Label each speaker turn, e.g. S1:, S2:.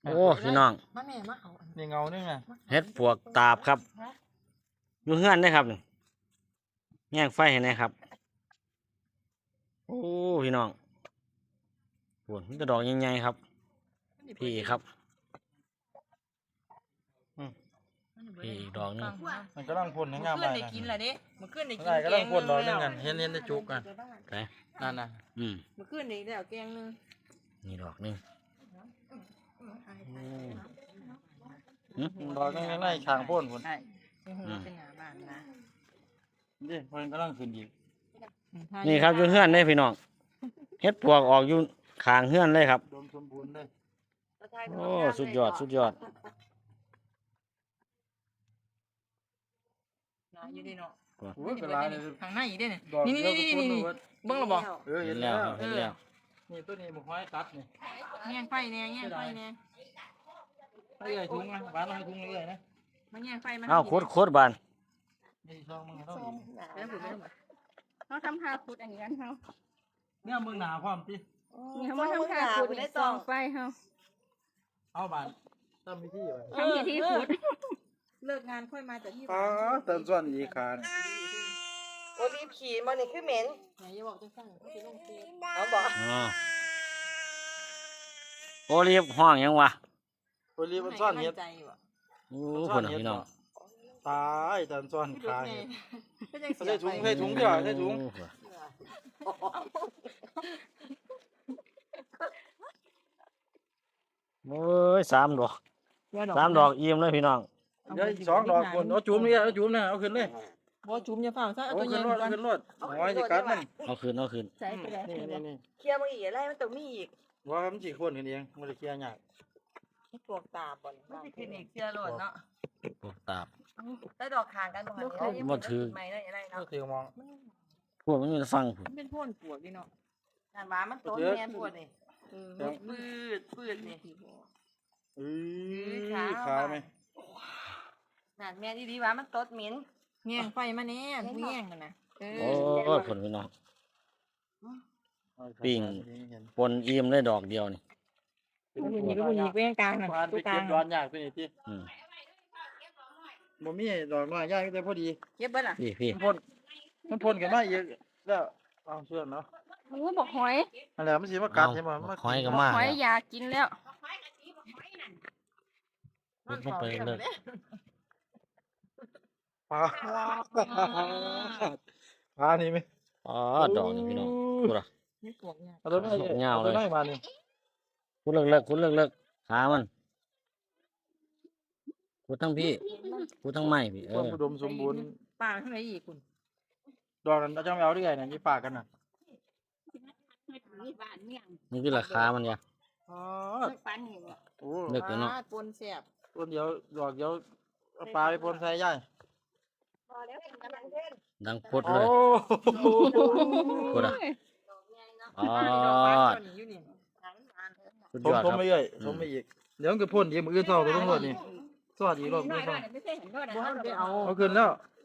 S1: โอ้พี่น้อง
S2: มาแม่มาเอา
S3: นี่เงานี่ไง
S1: เฮ็ดปวกตาบครับอยู่เฮือนได้ครับนี่แย่งไฟให้แน่ครับโอ้พี่น้องปวดมันจะดอกใหญ่ๆครับพี่ครับพี่อีกดอกนึง
S3: มันก็ต้องพ่นให้งามไปนะ
S2: กินแหละดิมันขึ้นในกิน
S3: ได้ก็ต้องพ่นดอกนึงกันเห็นได้จุกกัน
S1: ไป
S3: นั่นนะ
S2: มันขึ้นในแล้วแกงนึง
S1: นี่ดอกนึง
S3: ดอกนึงไล่ช่างพ่นพ่น
S2: ใช่เป็นหน้าบ้านนะ
S3: นี่พ่นก็ต้องขึ้นอีก
S1: นี่ครับอยู่เฮือนได้พี่น้องเฮ็ดปวกออกอยู่ข้างเฮือนเลยครับ
S3: ดมสมบูรณ์เลย
S1: โอ้สุดยอดสุดยอด
S2: อยู่ดีเนาะ
S3: โอ้ยเป็นไรเลย
S2: ทางหน้าอีกด้วยนี่นี่เบิ้งระบอก
S1: เห็นแล้วเห็นแล้ว
S3: นี่ตัวนี้มันห้อยตัดนี่
S2: แง่งไฟเนี่ยแง่งไฟเนี่ย
S3: ให้ใหญ่ถุงนะบ้านเราให้ถุงเลยนะ
S2: มันแง่งไฟมัน
S1: เอ้าโคตรบาน
S3: นี่ช่องมึงต้อง
S4: เขาทำหาขุดอันนี้กันเขา
S3: เนี่ยมึงหนาความที่
S4: เขามาทำหาขุดในซองไฟเขา
S3: เอาบ้านทำพิธีไป
S4: ทำพิธีขุด
S2: เลิกงานค่อยมาจากที่
S3: อ๋อเติมส่วนอีกคาน
S5: โอ้รีบขี่มานี่คือเหม็น
S2: ไหนอย่าบอกจะสั่งเขาจะลงเฟซ
S5: เอาบอก
S1: อ๋อโอรีบห้องยังวะ
S3: โอลีมันซ่อนเห็ด
S2: ใจว่ะ
S1: โอ้คนน่ะพี่น้อง
S3: ตายแต่ซ่อนคาเห็ด
S2: ใส่
S3: ใส่ถุงเดียวใส่ถุง
S1: โอ้ยสามดอกอิ่มเลยพี่น้อง
S3: เดี๋ยวสองดอกคนเอาจุ่มนี่เอาจุ่มนะเอาขึ้นเลย
S2: บ่จุ่มอย่าเฝ้าซะเอา
S3: เอา
S2: ตัวให
S3: ขึ้
S2: ญ่
S3: นร
S2: ก่
S3: ถ
S2: อน
S3: ขึ้นรถหอยสิกัดมัน
S1: เอาคืน
S4: ใส่ไปแล้ว
S3: นี่
S5: เคลียร์มาอีกอะไรมันต้องมีอีก
S3: ว่ามันสิคนกันเองมันจะเคลียร์ยาก
S5: ปวกตาบ่อน
S2: มันสิขึ้นอีกเสียโลดเนาะ
S1: ปวกตาบ
S5: ได้ดอกคางกันบ่หันไม่ได้อะไร
S3: ก็
S5: เนาะ
S3: ถือมอง
S1: พวกมันอยู่ฟังผม
S2: มันเป็นพ่นปวกดิเนาะ
S5: งานหวามันต้นแม่ปวดนี่ปืดนี่
S3: ขาวไหม
S5: งานแม่ดีๆว่ามันต้นเหม็น
S2: แง่งไฟมาแน่ผู้แง่งกันนะ
S1: โอ้ยผลพี่น้องปิ้งปนอิ่มได้ดอกเดียวนี่
S2: ผู้หญิงเว้งกลางน่ะ
S3: ไป
S2: ตู้กลา
S3: เก็
S2: ง
S3: บร้อนยากตัวนี้ที่บ่มีดอกน้อยยากแต่พอดี
S2: เก็บเบิดล่ะ
S1: พี่
S3: มันพ่นกันมาอีกแล้วเอาเชื่อเนาะ
S4: โอ้บอกหอย
S3: อะไรมันสิมากัดใช่ไหม
S1: หอยก็มา
S4: หอยอยากกินแล้ว
S1: มันไปเลย
S3: ปลาปลานี่ไหม
S1: อ๋อดอกนี่พี่น้องพูดอ่ะ
S2: นี่ปวกเนี่ย
S3: เอาตัวน้อยมานี่
S1: พูดเลิกหามันพูดทั้งพี่พูดทั้งไม่พี่
S3: ความอุดมสมบูรณ์
S2: ปลาข้างในอีกคุณ
S3: ดอกนั้นเราจะไม่เอาได้ไงเนี่ยยี่ปากกันน่ะ
S4: มีบ้านเมี่ยง
S1: นี่คือราคามันเนี่ย
S3: อ๋อ
S4: ปันนี่
S3: โอ้
S1: เลิกแล้วเนาะ
S2: ปนแซ่บ
S3: ต้นเดียวดอกเดียวปลาไปปนใส่ย่าย
S5: พอแล้วกำลังเล่น
S1: ดังพุดเลยพูดอ่ะอ๋อสุดยอด
S3: ทม
S1: ครับ
S3: ไปเรื่อยทมไปอีกเดี๋ยวมันก็พ่นอีกมืออื่นเท่าตัวตำรวจนี่สวัสดีรอบ
S4: น้
S3: นี้
S4: อย
S3: เท่า
S4: ไม่ใช่เห็นด้วยนะ
S2: บ่ทันได้เอา
S3: เอาขึ้นแล้ว